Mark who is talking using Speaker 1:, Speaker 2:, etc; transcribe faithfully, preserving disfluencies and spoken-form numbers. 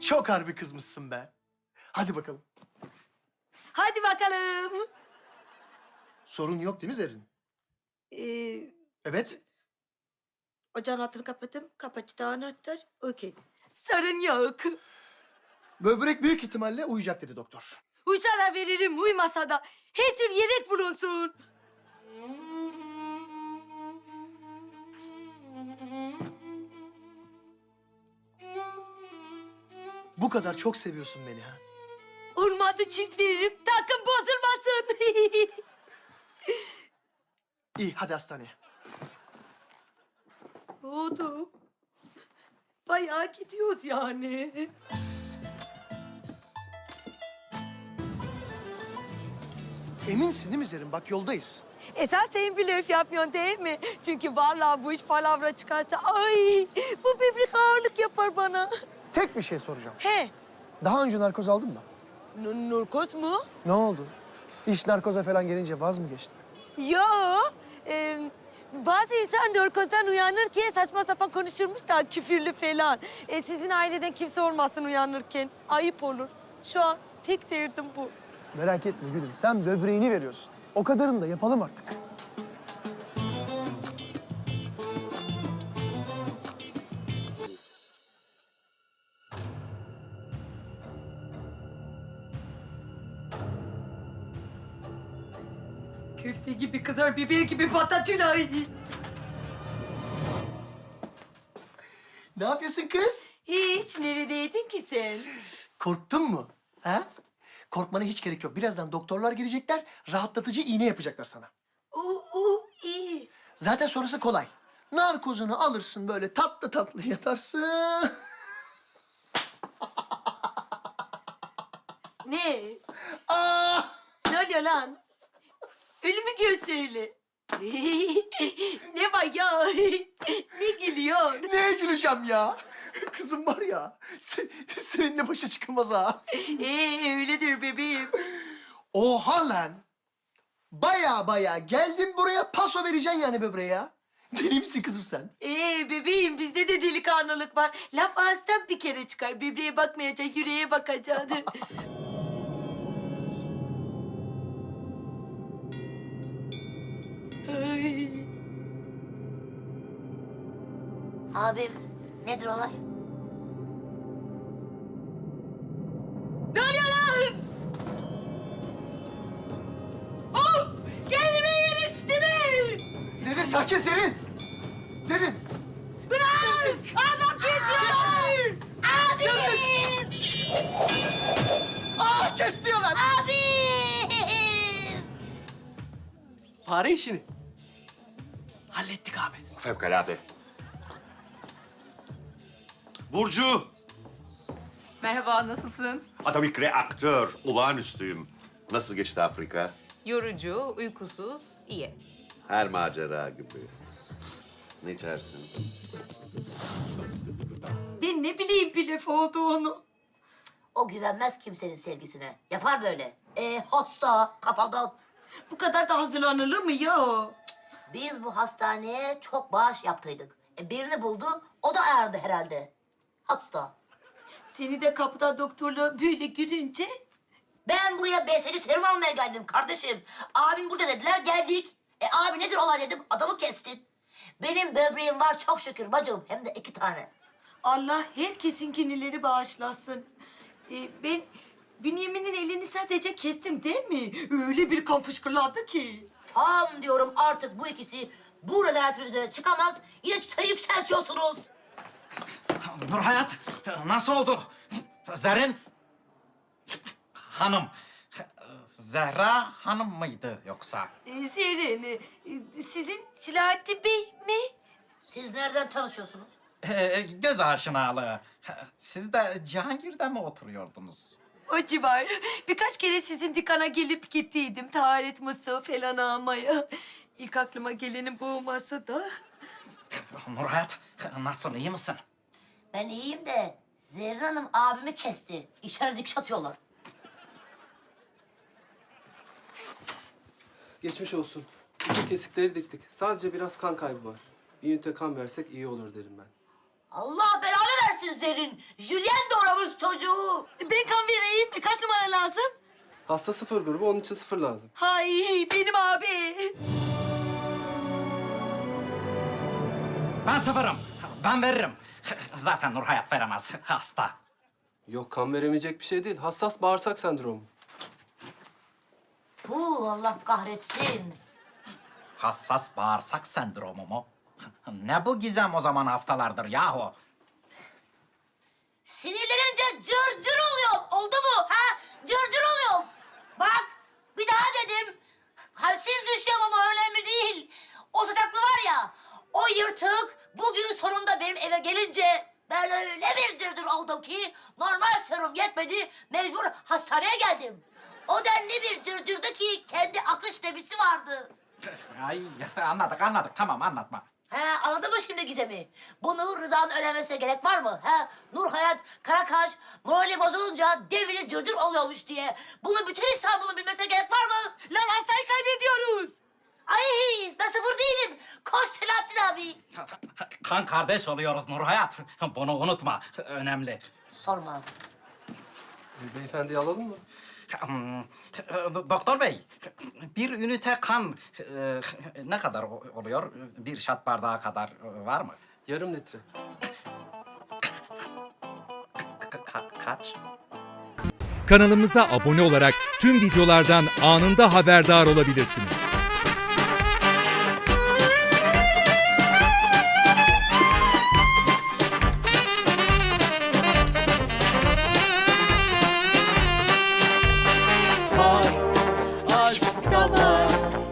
Speaker 1: Çok harbi kızmışsın be. Hadi bakalım.
Speaker 2: Hadi bakalım.
Speaker 1: Sorun yok değil mi Zerrin?
Speaker 2: Ee,
Speaker 1: Evet.
Speaker 2: ocağın altını kapattım. Kapacıda anahtar. Okey. Sorun yok.
Speaker 1: Böbrek büyük ihtimalle uyuyacak dedi doktor.
Speaker 2: Uysa da veririm, uymasa da. Her tür yedek bulunsun.
Speaker 1: Bu kadar çok seviyorsun beni ha.
Speaker 2: Olmadı çift veririm. Takım bozulmasın.
Speaker 1: İyi hadi hastaneye.
Speaker 2: Oldu. Bayağı gidiyoruz yani.
Speaker 1: Eminsin değil mi Zerrin? Bak yoldayız.
Speaker 2: Esas sen blöf yapmıyorsun değil mi? Çünkü vallahi bu iş palavra çıkarsa ay bu böbrek ağırlık yapar bana.
Speaker 1: Tek bir şey soracağım.
Speaker 2: He,
Speaker 1: Daha önce narkoz aldın mı?
Speaker 2: n- narkoz mu?
Speaker 1: Ne oldu? İş narkoza falan gelince vaz mı geçtin?
Speaker 2: Yo, e, bazı insan narkozdan uyanırken saçma sapan konuşurmuş da küfürlü falan. E, sizin aileden kimse olmasın uyanırken. Ayıp olur. Şu an tek derdim bu.
Speaker 1: Merak etme gülüm. Sen böbreğini veriyorsun. O kadarını da yapalım artık.
Speaker 2: Köfte gibi kızar, biber gibi patatülay.
Speaker 1: Ne yapıyorsun kız?
Speaker 2: Hiç, neredeydin ki sen?
Speaker 1: Korktun mu? Ha? Korkmana hiç gerek yok. Birazdan doktorlar gelecekler, rahatlatıcı iğne yapacaklar sana.
Speaker 2: Oo, oo, iyi.
Speaker 1: Zaten sonrası kolay. Narkozunu alırsın böyle tatlı tatlı yatarsın.
Speaker 2: Ne?
Speaker 1: Aa!
Speaker 2: Ne oluyor lan? Ölümü gör söyle. Ne var ya? Ne gülüyor?
Speaker 1: Neye güleceğim ya? Kızım var ya, se- seninle başa çıkılmaz ha.
Speaker 2: Ee, öyledir bebeğim.
Speaker 1: Oha lan! Baya baya geldin buraya paso vereceksin yani böbreğe ya. Deli misin kızım sen?
Speaker 2: Ee, bebeğim bizde de delikanlılık var. Laf ağızdan bir kere çıkar. Bebeğe bakmayacak, yüreğe bakacaksın. Ay.
Speaker 3: Abim, nedir olay?
Speaker 2: Ne oluyor lan? Oh! Kendime yer üstüme!
Speaker 1: Zerrin sakin Zerrin! Zerrin!
Speaker 2: Bırak! Adam kesiyorlar!
Speaker 3: Abim!
Speaker 1: Aa kes diyorlar!
Speaker 3: Abim!
Speaker 1: Fare işini. Hallettik abi.
Speaker 4: Fevkalade. Burcu,
Speaker 5: Merhaba, nasılsın?
Speaker 4: atomik reaktör, olağanüstüyüm. Nasıl geçti Afrika?
Speaker 5: Yorucu, uykusuz, iyi.
Speaker 4: Her macera gibi. Ne içersin?
Speaker 2: Ben ne bileyim blöf olduğunu.
Speaker 3: O güvenmez kimsenin sevgisine. Yapar böyle. Ee, hasta, kafadan.
Speaker 2: Bu kadar da hazırlanılır mı ya?
Speaker 3: Biz bu hastaneye çok bağış yaptıydık. E, birini buldu, o da ayardı herhalde. Hasta.
Speaker 2: Seni de kapıda doktorla böyle görünce...
Speaker 3: Ben buraya B S C serum almaya geldim kardeşim. Abim burada dediler, geldik. E abi nedir olay dedim, adamı kestin. Benim böbreğim var çok şükür bacım, hem de iki tane.
Speaker 2: Allah herkesin kinileri bağışlasın. Ee, ben Bünyamin'in elini sadece kestim değil mi? Öyle bir kan fışkırladı ki.
Speaker 3: Tam diyorum artık bu ikisi bu rezaletin üzerine çıkamaz. Yine çıtayı yükseltiyorsunuz.
Speaker 6: Nurhayat, nasıl oldu? Zerrin Hanım, Zehra Hanım mıydı yoksa?
Speaker 2: Ee, Zerrin, e, sizin Silahattin Bey mi?
Speaker 3: Siz nereden tanışıyorsunuz?
Speaker 6: Ee, göz aşinalığı. Siz de Cihangir'de mi oturuyordunuz?
Speaker 2: O civar. Birkaç kere sizin dikana gelip gittiydim. Taharet mısığı falan almaya. İlk aklıma gelenin bu olması da...
Speaker 6: Nurhayat, nasıl, iyi misin?
Speaker 3: Ben iyiyim de Zerrin Hanım abimi kesti. İçeri dikiş atıyorlar.
Speaker 7: Geçmiş olsun. Bütün kesikleri diktik. Sadece biraz kan kaybı var. Bir ünite kan versek iyi olur derim ben.
Speaker 3: Allah belanı versin Zerrin. Julien doğramış çocuğu.
Speaker 2: Ben kan vereyim. E, kaç numara lazım?
Speaker 7: Hasta sıfır grubu, onun için sıfır lazım.
Speaker 2: Hay benim abi.
Speaker 6: Ben sıfırım. Ben veririm. Zaten Nur Hayat veremez. Hasta.
Speaker 7: Yok, kan veremeyecek bir şey değil. Hassas bağırsak sendromu.
Speaker 3: Huu, Allah kahretsin.
Speaker 6: Hassas bağırsak sendromu mu? Ne bu gizem o zaman haftalardır yahu?
Speaker 3: Sinirlenince cır cır oluyorum. Oldu mu? Ha? Cır cır oluyorum. Bak, bir daha dedim. Halsiz düşüyorum ama önemli değil. O sıcaklı var ya, o yırtık bugün sonunda benim eve gelince ben öyle bir cırcır oldum ki normal serum yetmedi, mecbur hastaneye geldim. O denli bir cırcırdı ki kendi akış debisi vardı.
Speaker 6: Ay anladık anladık tamam anlatma.
Speaker 3: He, anladın mı şimdi Gizem'i? Bunu Rıza'nın öğrenmesine gerek var mı? He, Nur Hayat, Karakaş, morali bozulunca devili cırcır oluyormuş diye. Bunu bütün İstanbul'un bilmesine gerek var mı?
Speaker 2: Lan hastayı kaybediyoruz.
Speaker 3: Ay, ben sıfır değilim. Koş Selahattin abi.
Speaker 6: Kan kardeş oluyoruz Nur Hayat. Bunu unutma. Önemli.
Speaker 3: Sorma.
Speaker 7: E, beyefendiyi alalım mı?
Speaker 6: Hmm, Doktor bey, bir ünite kan e, ne kadar o- oluyor? Bir şat bardağı kadar e, var mı?
Speaker 7: Yarım litre.
Speaker 6: Ka- ka- kaç?
Speaker 8: Kanalımıza abone olarak tüm videolardan anında haberdar olabilirsiniz.